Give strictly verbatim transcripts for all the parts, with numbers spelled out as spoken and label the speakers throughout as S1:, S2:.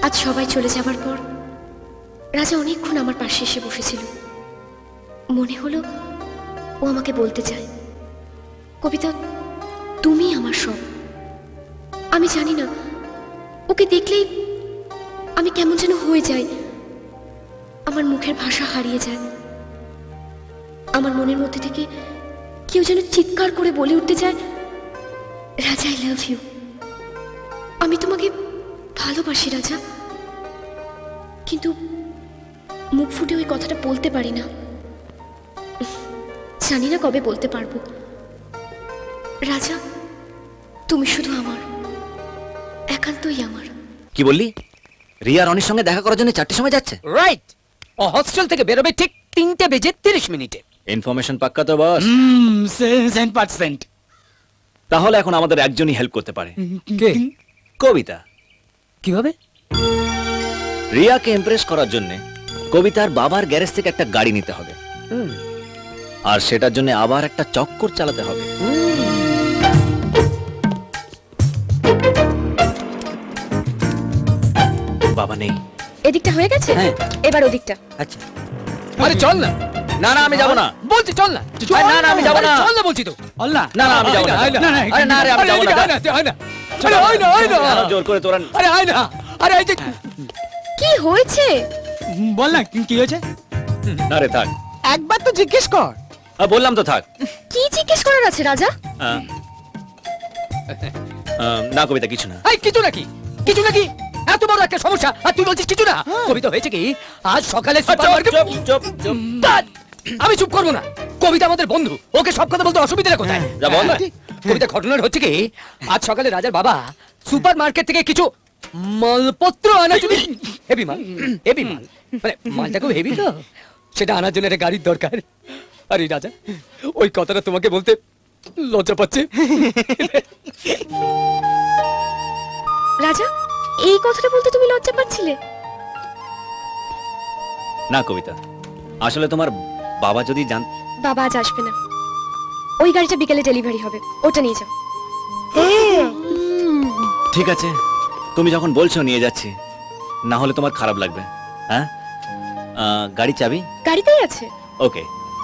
S1: আজ সবাই চলে যাবার পর রাজা অনেকক্ষণ আমার পাশে এসে বসেছিল। মনে হলো ও আমাকে বলতে চায়, কবিতা তুমি আমার সব। আমি জানি না, ওকে দেখলেই আমি কেমন যেন হয়ে যাই, আমার মুখের ভাষা হারিয়ে যায়। আমার মনের মধ্যে থেকে কেউ যেন চিৎকার করে বলে উঠতে চায়, রাজা আই লাভ ইউ, আমি তোমাকে ভালোবাসি রাজা। কিন্তু মুখ ফুটে ওই কথাটা বলতে পারি না। জানি না কবে বলতে পারবো। রাজা তুমি শুধু আমার, একান্তই আমার।
S2: কি বললি? রিয়া রনির সঙ্গে দেখা করার জন্য চারটের সময় যাচ্ছে?
S3: রাইট, ও হস্টেল থেকে বেরোবে ঠিক তিনটে বেজে তিরিশ মিনিটে।
S2: ইনফরমেশন পাক্কা তো বস?
S3: Seven percent.
S2: তাহলে এখন আমাদের একজনই হেল্প করতে পারে।
S3: কে?
S2: কবিতা।
S3: কিভাবে?
S2: রিয়াকে ইমপ্রেস করার জন্য কবিতার বাবার গ্যারেজ থেকে একটা গাড়ি নিতে হবে, আর সেটার জন্য আবার একটা চক্কর চালাতে হবে। বাবা নেই।
S1: এদিকটা হয়ে গেছে,
S3: হ্যাঁ।
S1: এবার ওদিকটা।
S3: আচ্ছা, আরে চল না।
S2: না না আমি যাব না।
S3: বলছি চল না।
S2: আরে না না আমি যাব না।
S3: চল না বলছি তো।
S2: চল না। না না আমি যাব না। আরে না রে আমি যাব না।
S3: হয় না। আরে হয় না, হয় না।
S2: কেন জোর করে তোরা?
S3: আরে হয় না। আরে এই যে
S1: কি হয়েছে?
S3: বল না কি হয়েছে?
S2: না রে থাক।
S3: একবার তো জিজ্ঞেস কর।
S2: আ বললাম তো থাক।
S1: কি জিজ্ঞেস করার আছে রাজা?
S2: আহ, আহ, না কবিতা কিছু না।
S3: এই কিছু নাকি? কিছু নাকি? এত বড় একটা সমস্যা আর তুই বলছিস কিছু না? কবিতা হয়েছে কি, আজ সকালে সুপারমার্কেট।
S2: চুপ চুপ চুপ।
S3: ধ্যাৎ, আমি চুপ করবো না। কবিতা আমাদের বন্ধু, ওকে সব কথা বলতে অসুবিধা কোথায়?
S2: যা বল না।
S3: কবিতা ঘটনার হচ্ছে কি, আজ সকালে রাজার বাবা সুপার মার্কেট থেকে কিছু মালপত্র আনার জন্য, হেভি মাল, হেভি মাল, মানে মালটা খুব হেভি তো, সেটা আনার জন্য একটা গাড়ির দরকার। আরে রাজা, ওই কথাটা তোমাকে বলতে লজ্জা পাচ্ছে।
S1: রাজা, এই কথাটা বলতে তুমি লজ্জা পাচ্ছিলে?
S2: না কবিতা, আসলে তোমার বাবা যদি জান।
S1: বাবা আজ আসবে না, ওই গাড়িটা বিকেলে ডেলিভারি হবে, ওটা নিয়ে যাও।
S2: ঠিক আছে, তুমি যখন বলছো নিয়ে যাচ্ছি, না হলে তোমার খারাপ লাগবে। হ্যাঁ, আহ, গাড়ি চাবি
S1: গাড়িতেই আছে।
S2: ওকে।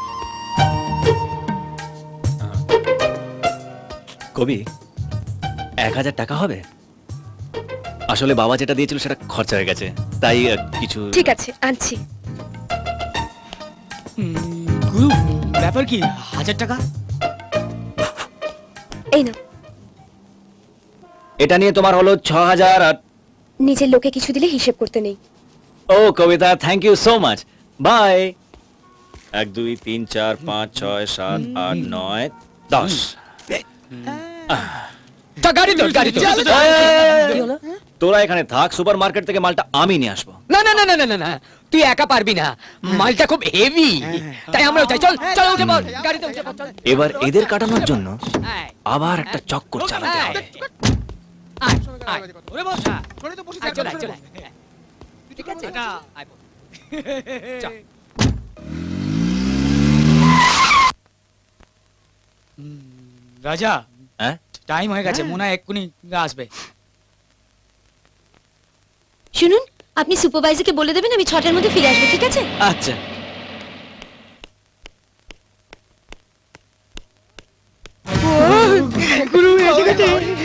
S2: কবি, এক হাজার টাকা হবে? আসলে বাবা যেটা দিয়েছিল সেটা খরচা হয়ে গেছে, তাই আহ, কিছু।
S1: ঠিক আছে, আনছি।
S4: গুরু, ব্যাপার কি? হাজার টাকা?
S1: এই না,
S2: এটা নিয়ে তোমার হলো ছ হাজার। আর
S1: নিজের লোকে কিছু দিলে হিসেব করতে নেই।
S2: ও Kabita, thank you so much, bye. এক দুই তিন চার পাঁচ ছয় সাত আট নয় দশ।
S3: তা গাড়ি তো, গাড়ি তো। কি হলো?
S2: তোরা এখানে থাক, সুপার মার্কেট থেকে মালটা আমি নিয়ে আসবো।
S3: না না না না না না না, তুই একা পারবি না, মালটা খুব হেভি, তাই আমরাও চাই। চল চল, উঠে পড়, গাড়িতে উঠে পড়, চল।
S2: এবার এদের কাটানোর জন্য
S3: আয়,
S2: আবার একটা চক্কর চালাতে
S3: আয়,
S2: হবে।
S3: আয়, আয়। আয়, চল, আয়, চল, আয়। ঠিক আছে? আয়, বল। চল।
S4: রাজা,
S2: হ্যাঁ,
S4: টাইম হয়ে গেছে, মনে হয় এক্ষুনি আসবে।
S1: শুনুন, আপনি সুপারভাইজারকে বলে দেবেন আমি ছটার মধ্যে ফিরে আসবো, ঠিক আছে?
S2: আচ্ছা।
S4: গুরু এসে গেছে।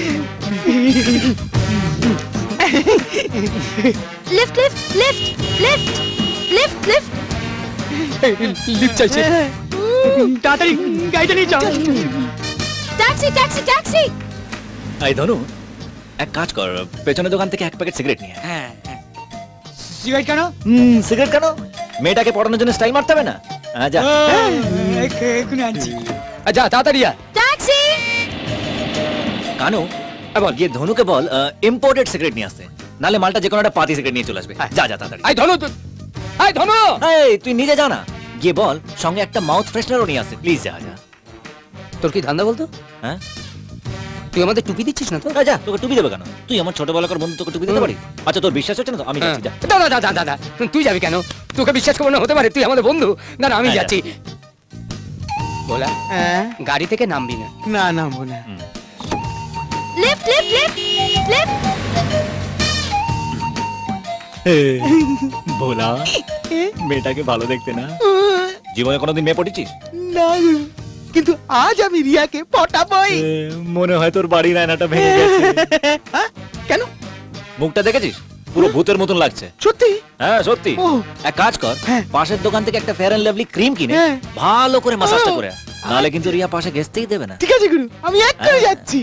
S1: Lift lift lift lift lift lift.
S3: Lift চাইছে।
S4: তাড়াতাড়ি গাড়িটা নিয়ে যাও।
S1: Taxi taxi taxi.
S2: এই ধনু, এক কাজ কর, পেছনের দোকান থেকে এক প্যাকেট সিগারেট নিয়ে আয়।
S4: হ্যাঁ, হ্যাঁ। সিগারেট কেন?
S2: হুম, সিগারেট কেন? মেয়েটাকে পড়ানোর জন্য স্টাইল মারতে হবে না? হ্যাঁ, যা।
S4: এক্ষুনি আনছি।
S3: যা তাড়াতাড়ি আয়।
S1: ট্যাক্সি।
S2: কানু, বল গিয়ে ধনুকে বল ইম্পোর্টেড সিগারেট নিয়ে আসতে, নালে মালটা যে কোনো একটা পাতি সিগারেট নিয়ে চলে আসবে। যা যা তাড়াতাড়ি।
S3: আয় ধনু, তুই- আয় ধনু।
S2: এই তুই নিজে যা না, গিয়ে বল সঙ্গে একটা মাউথ ফ্রেশনারও নিয়ে আসতে, প্লিজ। যা যা।
S3: তোর কি ধান্দা বলতো?
S2: হ্যাঁ,
S3: তুই আমাদের টুপি দিচ্ছিস না তো?
S2: যা, যা, তোকে টুপি দেবে কেন? তুই আমার ছোটবেলাকার বন্ধু, তোকে টুপি দিতে পারি? আচ্ছা, তোর বিশ্বাস হচ্ছে না তো? আমি যাচ্ছি, যা।
S3: দাদা দাদা দাদা, তুই যাবি কেন? তোকে বিশ্বাস করবো না হতে পারে, তুই আমাদের বন্ধু। না না, আমি
S2: হ্যাঁ,
S3: যাচ্ছি। বলা,
S4: হ্যাঁ,
S3: গাড়ি থেকে নামবি না।
S4: না নামবো না।
S2: হুম।
S1: Lift lift lift lift.
S2: ভোলা মেয়েটাকে ভালো দেখতে না জীবনে কোনোদিন মেয়ে পটেছিস
S4: না গুরু, কিন্তু আজ আমি রিয়াকে পটাবই।
S2: এ, মনে হয় তোর বাড়ির আয়নাটা ভেঙে গেছে
S4: হ্যাঁ? কেন?
S2: মুখটা দেখেছিস পুরো ভূতের মতন লাগছে
S4: সত্যি?
S2: হ্যাঁ সত্যি
S4: ও
S2: এক কাজ কর
S4: হ্যাঁ।
S2: পাশের দোকান থেকে একটা ফেয়ার অ্যান্ড লাভলি ক্রিম কিনে
S4: হ্যাঁ।
S2: ভালো করে মাসাজটা
S4: ও।
S2: করে আয়। নাহলে কিন্তু রিয়া পাশে ঘেসতেই দেবে না
S4: ঠিক আছে গুরু, আমি এক্ষুনি
S2: হ্যাঁ।
S4: যাচ্ছি।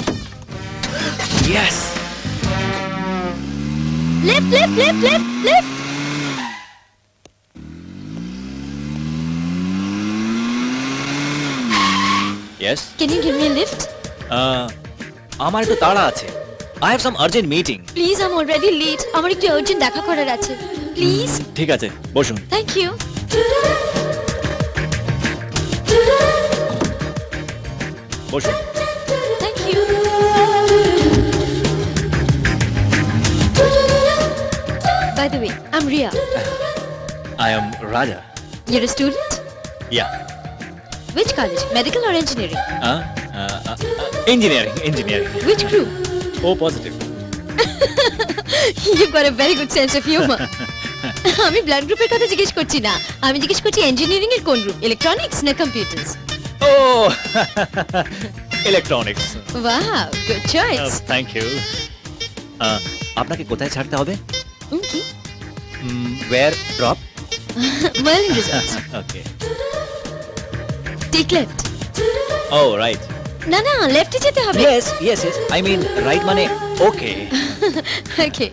S2: Yes
S1: Left, left, left, left, left.
S2: Yes
S1: Can you give me a lift?
S2: আমার একটু তাড়া আছে I have some urgent meeting
S1: Please, I'm already late. আমার একটু urgent দেখা করার আছে। Please.
S2: ঠিক আছে বসুন
S1: Thank you.
S2: বসুন
S1: Thank you. By the way, I'm Ria.
S2: I am Raja
S1: You're a student?
S2: Yeah
S1: Which college? Medical or engineering?
S2: Engineering engineering
S1: Which group?
S2: O positive
S1: You've got a very good sense of humor. আমি ব্লাড গ্রুপের কথা জিজ্ঞেস করছি না, আমি জিজ্ঞেস করছি ইঞ্জিনিয়ারিং এর কোন গ্রুপ, ইলেকট্রনিক্স না computers?
S2: Oh electronics
S1: wow, good choice.
S2: Thank you আপনাকে কোথায় ছাড়তে হবে
S1: কি?
S2: Where drop
S1: Marlin Resorts.
S2: Okay
S1: take left.
S2: Oh right
S1: না না, লেফটে যেতে হবে।
S2: Yes yes yes I mean right মানে ওকে
S1: ওকে।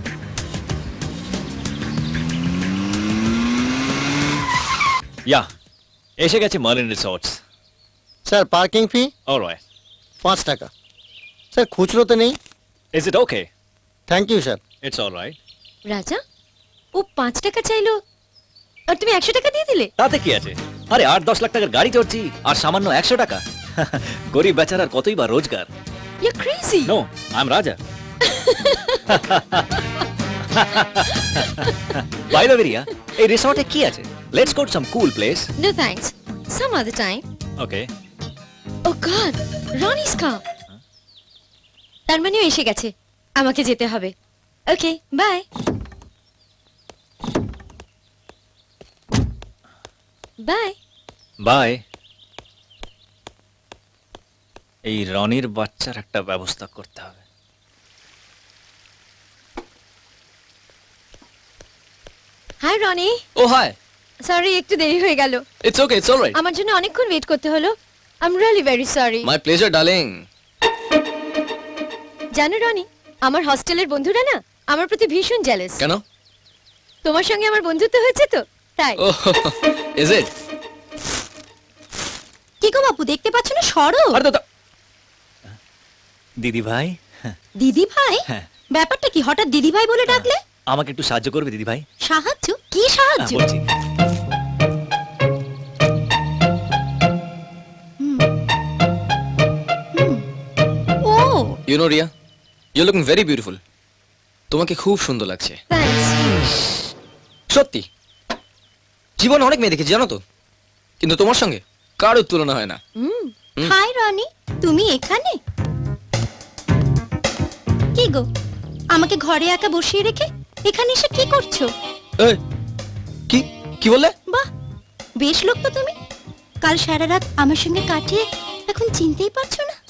S2: ইয়া এসে গেছে Marlin Resorts
S5: sir parking fee
S2: alright
S5: পাঁচ টাকা। স্যার খুচরোতে নেই।
S2: Is it okay
S5: thank you sir.
S2: It's alright
S1: Raja, oh পাঁচ টাকা চাইলো আর তুমি একশো টাকা দিয়ে দিলে?
S2: তাতে কি আছে আরে আট দশ লাখ টাকার গাড়ি চড়ছি আর সামান্য একশো টাকা গরিব বেচারার কতই বা রোজগার
S1: you crazy.
S2: No I am Raja by the way Ria এই রিসর্টে কি আছে let's go to some cool place
S1: no thanks, some other time.
S2: Okay
S1: oh God, Ronny's car. তার মানে ও এসে গেছে, আমাকে যেতে হবে। Okay bye. বাই।
S2: বাই এই রনির বাচ্চার একটা ব্যবস্থা করতে হবে
S1: hi Ronny.
S6: Oh hi
S1: sorry একটু দেরি হয়ে গেল,
S6: ইটস ওকে ইটস অলরাইট
S1: আমার জন্য অনেকক্ষণ ওয়েট করতে হলো। I am really very sorry.
S6: My pleasure darling
S1: জানো রনি, আমার হস্টেলের বন্ধুরা না আমার প্রতি ভীষণ জেলাস।
S6: কেন
S1: তোমার সঙ্গে আমার বন্ধুত্ব হয়েছে তো তাই।
S6: ও ইজ ইট
S1: কি গো বাপু, দেখতে পাচ্ছ না? সরো।
S2: আরে দাদা দিদি ভাই
S1: দিদি ভাই?
S2: হ্যাঁ।
S1: ব্যাপারটা কি, হঠাৎ দিদি ভাই বলে ডাকলে?
S2: আমাকে একটু সাহায্য করবে দিদি ভাই
S1: সাহায্য? কি সাহায্য?
S2: বলছি
S1: ও
S6: you know Ria you looking very beautiful তোমাকে খুব সুন্দর লাগছে
S1: থ্যাঙ্কস।
S6: সত্যি জীবনে অনেক মেয়ে দেখেছি জানো তো, কিন্তু তোমার সঙ্গে কারোর তুলনা হয় না। হুম।
S1: হাই রনি, তুমি এখানে? কি গো, আমাকে ঘরে একা বসিয়ে রেখে এখানে এসে কি করছো?
S6: এই কি কি বললে?
S1: বাহ, বেশ লোক তো তুমি। কাল সারা রাত আমার সঙ্গে কাটিয়ে এখন চিনতেই পারছো না?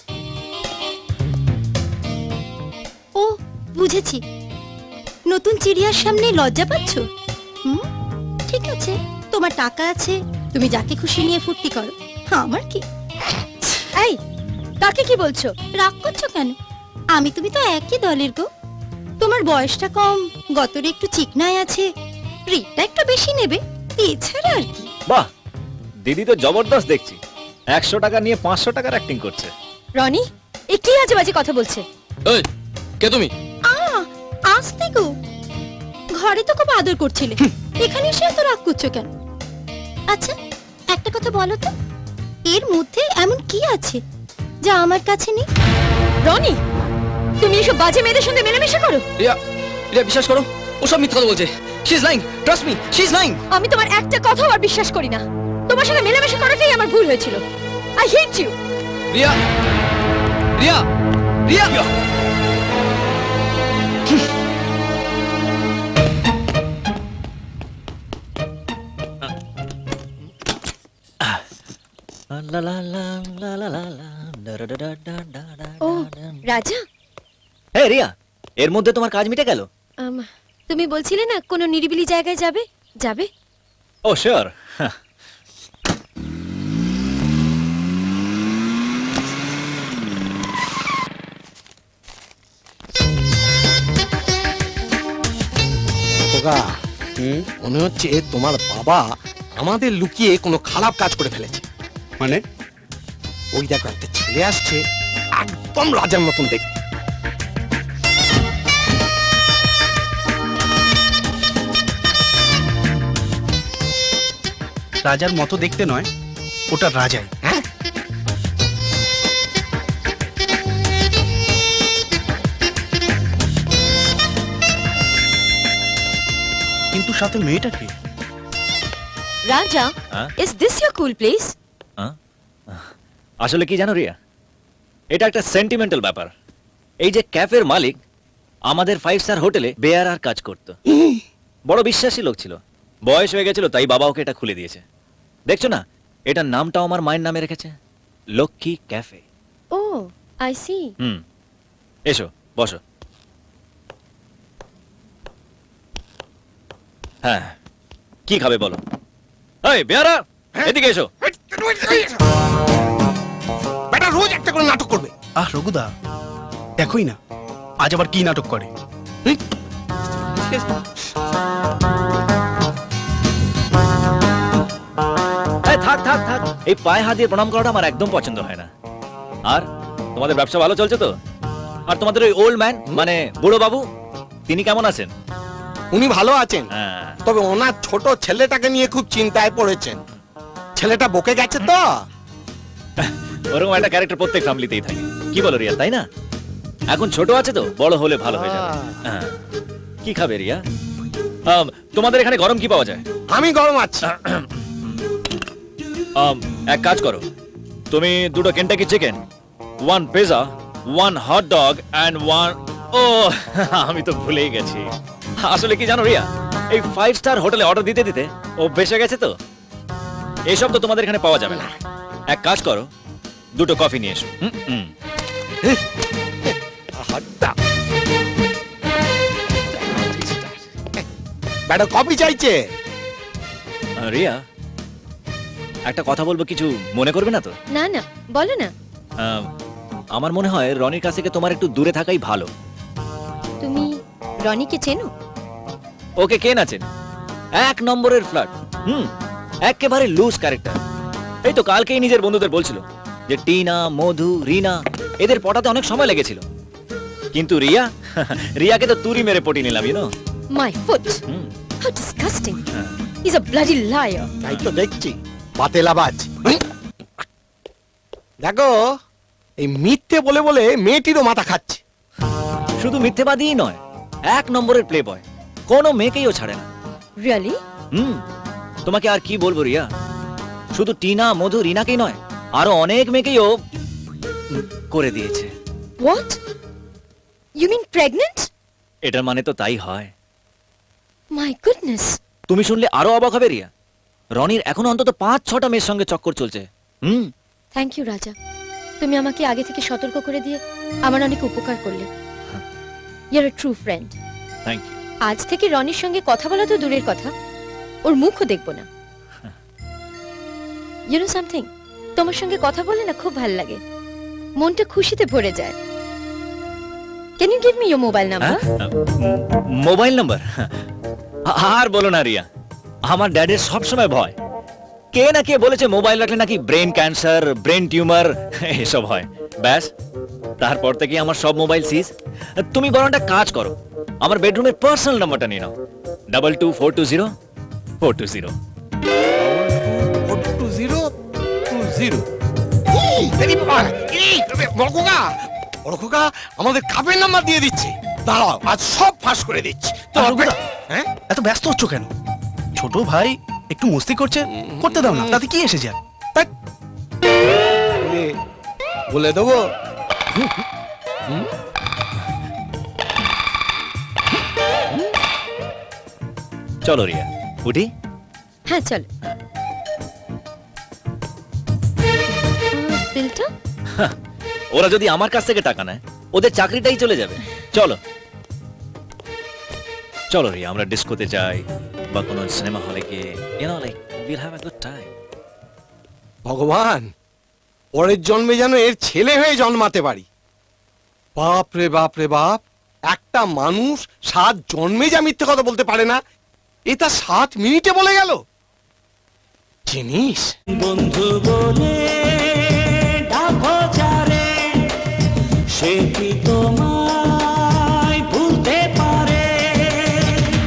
S1: ও বুঝেছি, নতুন চিড়িয়ার সামনে লজ্জা পাচ্ছ। হুম, ঠিক আছে, তোমার টাকা আছে, তুমি যাকে খুশি নিয়ে ফুর্তি করো, আমার কি? এই, তাকে কি বলছো? রাগ করছো কেন? আমি তুমি তো একই দলের গো। তোমার বয়সটা কম, গতরে একটু চিকনায় আছে, রেটটা একটু বেশি নেবে, এছাড়া আর কি।
S2: বাহ দিদি তো জবরদস্ত দেখছি একশো টাকা নিয়ে পাঁচশো টাকার অ্যাক্টিং করছে
S1: রনি, এ কি আজে বাজে কথা বলছে?
S6: এই কে তুমি?
S1: আ আসতে গো, ঘরে তো খুব আদর করছিলে, এখানে এসে এত রাগ করছো কেন? আচ্ছা একটা কথা বলো তো, এর মধ্যে এমন কি আছে যা আমার কাছে নেই? রনি, তুমি এসব বাজে মেয়েদের সঙ্গে মেলামেশা করো?
S6: রিয়া রিয়া বিশ্বাস করো ও সব মিথ্যা কথা বলছে। She is lying, trust me, she is lying.
S1: আমি তোমার একটা কথাও আর বিশ্বাস করি না। তোমার সঙ্গে মেলামেশা করাটাই আমার ভুল হয়েছিল। I hate you.
S6: Ria Ria Ria
S2: লা লা লা লা লা লা লা, ডা ডা ডা ডা ডা ডা
S1: ও
S2: ডা।
S1: রাজা,
S2: এই রিয়া, এর মধ্যে তোমার কাজ মিটে গেল?
S1: আম, তুমি বলছিলে না কোনো নিরিবিলি জায়গায় যাবে যাবে
S2: ও শিওর।
S4: খোকা মনে হচ্ছে তোমার বাবা আমাদের লুকিয়ে কোনো খারাপ কাজ করে ফেলেছে। মানে ওই দেখো একটা ছেলে আসছে, একদম রাজার মতন দেখতে।
S7: রাজার মতো দেখতে নয়, ওটা রাজাই।
S4: হ্যাঁ
S7: কিন্তু সাথে মেয়েটাকে
S1: রাজা,
S2: হ্যাঁ?
S1: Is this your cool place?
S2: হ্যাঁ? আসলে কি জানো রিয়া, এটা একটা সেন্টিমেন্টাল ব্যাপার। এই যে ক্যাফের মালিক আমাদের ফাইভ স্টার হোটেলে বেয়ারার কাজ করত, বড় বিশ্বাসী লোক ছিল। বয়স হয়ে গেছিল তাই বাবা ওকে এটা খুলে দিয়েছে। দেখছো না, এটার নামটাও আমার মায়ের নামে রেখেছে, Lakshmi cafe.
S1: Oh I see.
S2: Hmm, এসো বসো। হ্যাঁ, কি খাবে বলো? এই বেয়ারা, এদিকে এসো।
S4: বেটা রোজ একটা করে নাটক করবে।
S7: আহ রঘুদা, দেখোই না আজ আবার কি নাটক করে।
S2: এই থাক থাক থাক, এই পায়ে হাত দিয়ে প্রণাম করাটা আমার একদম পছন্দ হয় না। আর তোমাদের ব্যবসা ভালো চলছে তো? আর তোমাদের ওই ওল্ড ম্যান মানে বুড়ো বাবু, তিনি কেমন আছেন?
S4: উনি ভালো আছেন,
S2: হ্যাঁ,
S4: তবে ওনার ছোট ছেলেটাকে নিয়ে খুব চিন্তায় পড়েছেন। ছেলেটা বকে গেছে তো।
S2: ওরকম একটা ক্যারেক্টার প্রত্যেক ফ্যামিলিতেই থাকে, কি বলো রিয়া, তাই না? এখন ছোট আছে তো, বড় হলে ভালো হয়ে যাবে। হ্যাঁ। কি খাবে রিয়া? আম, তোমাদের এখানে গরম কি পাওয়া যায়?
S4: আমি গরম আছি।
S2: আম, এক কাজ করো, তুমি দুটো Kentucky chicken, one pizza, one hot dog and one, ও আমি তো ভুলেই গেছি। আসলে কি জানো রিয়া, এই ফাইভ স্টার হোটেলে অর্ডার দিতে দিতে ও বেসে গেছে তো, এসব তো তোমাদের এখানে পাওয়া যাবে না। এক কাজ করো, দুটো কফি নিয়ে এসো। হুম, হুম।
S4: হাড্ডা। বেটা কপি চাইছে।
S2: আহ, রিয়া, একটা কথা বলবো, কিছু মনে করবে না তো?
S1: না না, বলো না।
S2: আহ, আমার মনে হয় রনির কাছ থেকে তোমার একটু দূরে থাকাই ভালো।
S1: তুমি রনিকে চেনো?
S2: ওকে কে না চেনে? এক নম্বরের ফ্ল্যাট। হুম, একেবারে লুজ ক্যারেক্টার। এই তো কালকেই নিজের বন্ধুদের বলছিল যে টিনা, মধু, রিনা এদের পটাতে অনেক সময় লেগেছিল, কিন্তু রিয়া রিয়াকে তো তুরি মেরে পটি নিলাম, you know.
S1: My foot,
S2: hmm,
S1: how disgusting.
S2: হ্যাঁ।
S1: He is a bloody liar.
S4: তাই তো দেখছি, পাতেলাবাজ। দেখো, এই মিথ্যে বলে বলে মেয়েটিরও মাথা খাচ্ছে।
S2: শুধু মিথ্যেবাদীই নয়, এক নম্বরের প্লে বয়, কোনো মেয়েকেই ও ছাড়ে না।
S1: রিয়েলি?
S2: হুম, তোমাকে আর কি বলবো রিয়া, শুধু টিনা, মধু, রিনাকেই নয়, আরো অনেক মেয়েকেই ও উম, করে দিয়েছে।
S1: হোয়াট? You mean pregnant?
S2: এটার মানে তো তাই হয়।
S1: My goodness.
S2: তুমি শুনলে আরো অবাক হবে রিয়া, রনির এখনো অন্তত পাঁচ ছটা মেয়ের সঙ্গে চক্কর চলছে। হুম,
S1: থ্যাংক ইউ রাজা, তুমি আমাকে আগে থেকে সতর্ক করে দিয়ে আমার অনেক উপকার করলে। You are a true friend.
S2: Thank you.
S1: আজ থেকে রনির সঙ্গে কথা বলা তো দূরের কথা, ওর মুখও দেখবো না। ইউ নো সামথিং, তোমার সঙ্গে কথা বলে না খুব ভালো লাগে, মনটা খুশিতে ভরে যায়। Can you give me your mobile number?
S2: Mobile number? আর বলো না রিয়া, আমার ড্যাডের সব সময় ভয়, কে না কে বলেছে মোবাইল রাখলে নাকি ব্রেন ক্যান্সার, ব্রেন টিউমার এসব হয়। ব্যাস, তারপর থেকে আমার সব মোবাইল সিজ। তুমি বরং একটা কাজ করো, আমার বেডরুমের পার্সোনাল নাম্বারটা নিয়ে নাও, double two four two zero four two zero.
S4: Two zero two zero. আমাদের কাপের নাম্বার দিয়ে দিচ্ছে। দাঁড়াও, আজ সব ফাঁস করে দিচ্ছি।
S7: আহ, রঘুদা,
S4: হ্যাঁ,
S7: এত ব্যস্ত হচ্ছ কেন? ছোট ভাই একটু মস্তি করছে, করতে দাও না, তাতে কি এসে যায়?
S4: বলে- বলে দেবো।
S2: চলো রিয়া, উঠি।
S1: হ্যাঁ চলো। বিলটা?
S2: ওরা যদি আমার কাছ থেকে টাকা নেয় ওদের চাকরিটাই চলে যাবে। চলো চলো রিয়া, আমরা ডিস্কোতে যাই বা কোনো সিনেমা হলে গিয়ে you know like will have a good time.
S4: ভগবান, পরের জন্মে যেন এর ছেলে হয়ে জন্মাতে পারি। বাপ রে বাপ রে বাপ, একটা মানুষ সাত জন্মে যা মিথ্যে কথা বলতে পারে না, এটা সাত মিনিটে বলে গেল। জিনিস
S8: বন্ধু বলে ডাকো যারে, সে কি তোমার